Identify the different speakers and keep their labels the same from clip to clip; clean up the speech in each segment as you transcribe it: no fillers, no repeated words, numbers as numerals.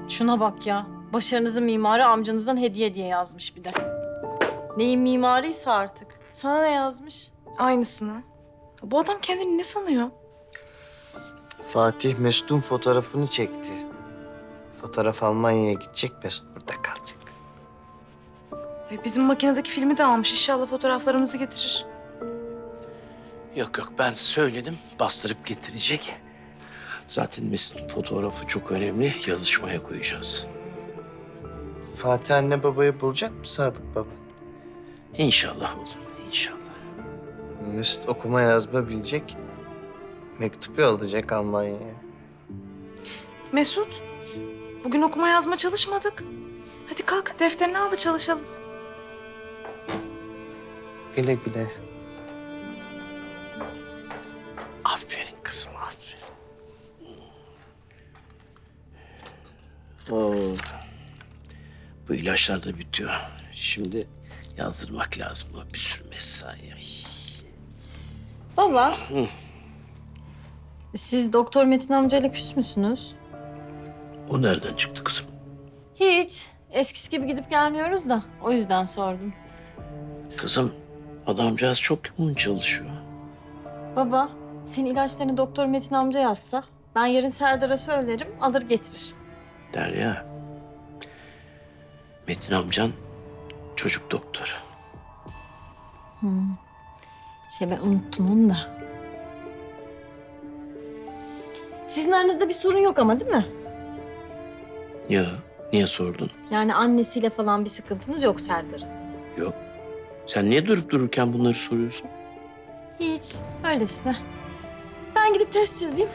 Speaker 1: Şuna bak ya. Başarınızın mimarı amcanızdan hediye diye yazmış bir de. Neyin mimarıysa artık. Sana ne yazmış?
Speaker 2: Aynısını. Bu adam kendini ne sanıyor?
Speaker 3: Fatih Mesut'un fotoğrafını çekti. Fotoğraf Almanya'ya gidecek, Mesut burada kalacak.
Speaker 2: Bizim makinedeki filmi de almış. İnşallah fotoğraflarımızı getirir.
Speaker 4: Yok yok ben söyledim bastırıp getirecek. Zaten Mesut'un fotoğrafı çok önemli. Yazışmaya koyacağız.
Speaker 3: Fatih anne babayı bulacak mı Sadık baba?
Speaker 4: İnşallah oğlum inşallah.
Speaker 3: Mesut okuma yazma bilecek. Mektup yollayacak Almanya'ya.
Speaker 2: Mesut, bugün okuma yazma çalışmadık. Hadi kalk, defterini al da çalışalım.
Speaker 3: Güle güle.
Speaker 4: Aferin kızım aferin. Oo. Bu ilaçlar da bitiyor. Şimdi yazdırmak lazım. Bu bir sürü mesai.
Speaker 1: Baba. Siz Doktor Metin amcayla küs müsünüz?
Speaker 4: O nereden çıktı kızım?
Speaker 1: Hiç. Eskisi gibi gidip gelmiyoruz da. O yüzden sordum.
Speaker 4: Kızım adamcağız çok yoğun çalışıyor.
Speaker 1: Baba, senin ilaçlarını Doktor Metin amca yazsa... ...ben yarın Serdar'a söylerim, alır getirir.
Speaker 4: Derya. Metin amcan çocuk doktoru.
Speaker 1: Ben unuttum onu da. Sizin aranızda bir sorun yok ama değil mi?
Speaker 4: Ya niye sordun?
Speaker 1: Yani annesiyle falan bir sıkıntınız yok Serdar'ın.
Speaker 4: Yok. Sen niye durup dururken bunları soruyorsun?
Speaker 1: Hiç, öylesine. Ben gidip test çözeyim.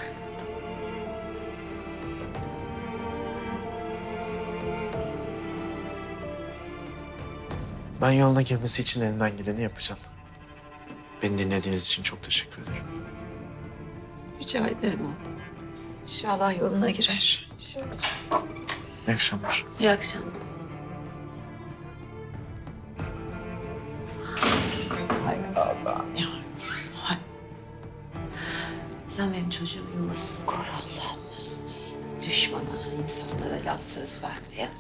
Speaker 5: Ben yoluna girmesi için elimden geleni yapacağım. Beni dinlediğiniz için çok teşekkür ederim.
Speaker 6: Rica ederim oğlum. İnşallah yoluna girer. Şimdi.
Speaker 5: İyi akşamlar.
Speaker 6: İyi akşamlar. Hay Allah'ım ya. Hay. Sen benim çocuğumun yuvasını koru Allah'ım. Düşmana, insanlara laf söz verme ya.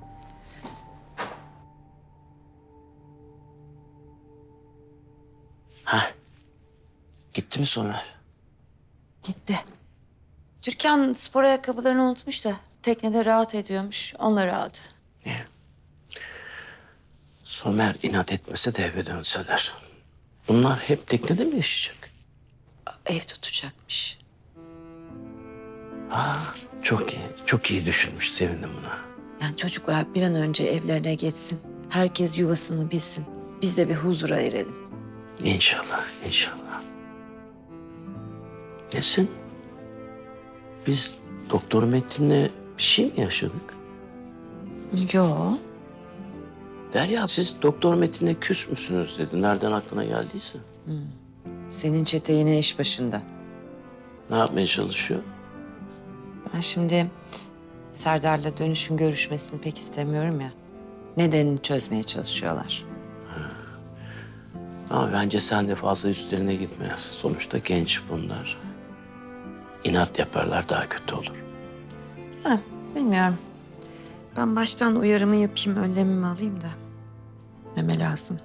Speaker 4: Ha. Gitti mi Somer?
Speaker 6: Gitti. Türkan spor ayakkabılarını unutmuş da teknede rahat ediyormuş. Onları aldı.
Speaker 4: Somer inat etmese de eve dönseler. Bunlar hep teknede mi yaşayacak?
Speaker 6: Ev tutacakmış.
Speaker 4: Çok iyi. Çok iyi düşünmüş. Sevindim buna.
Speaker 6: Yani çocuklar bir an önce evlerine geçsin. Herkes yuvasını bilsin. Biz de bir huzura erelim.
Speaker 4: İnşallah. İnşallah. Nesin? Biz Doktor Metin'le bir şey mi yaşadık?
Speaker 6: Yo.
Speaker 4: Derya siz Doktor Metin'le küs müsünüz dedi. Nereden aklına geldiyse.
Speaker 6: Senin çete yine iş başında.
Speaker 4: Ne yapmaya çalışıyor?
Speaker 6: Ben şimdi Serdar'la dönüşün görüşmesini pek istemiyorum ya. Nedenini çözmeye çalışıyorlar.
Speaker 4: Ama bence sen de fazla üstlerine gitme. Sonuçta genç bunlar. İnat yaparlar daha kötü olur.
Speaker 6: Ha, bilmiyorum. Ben baştan uyarımı yapayım, önlemimi alayım da. Neme lazım.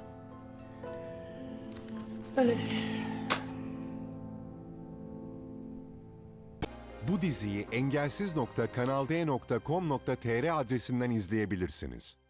Speaker 7: Bu diziyi engelsiz.kanalde.com.tr adresinden izleyebilirsiniz.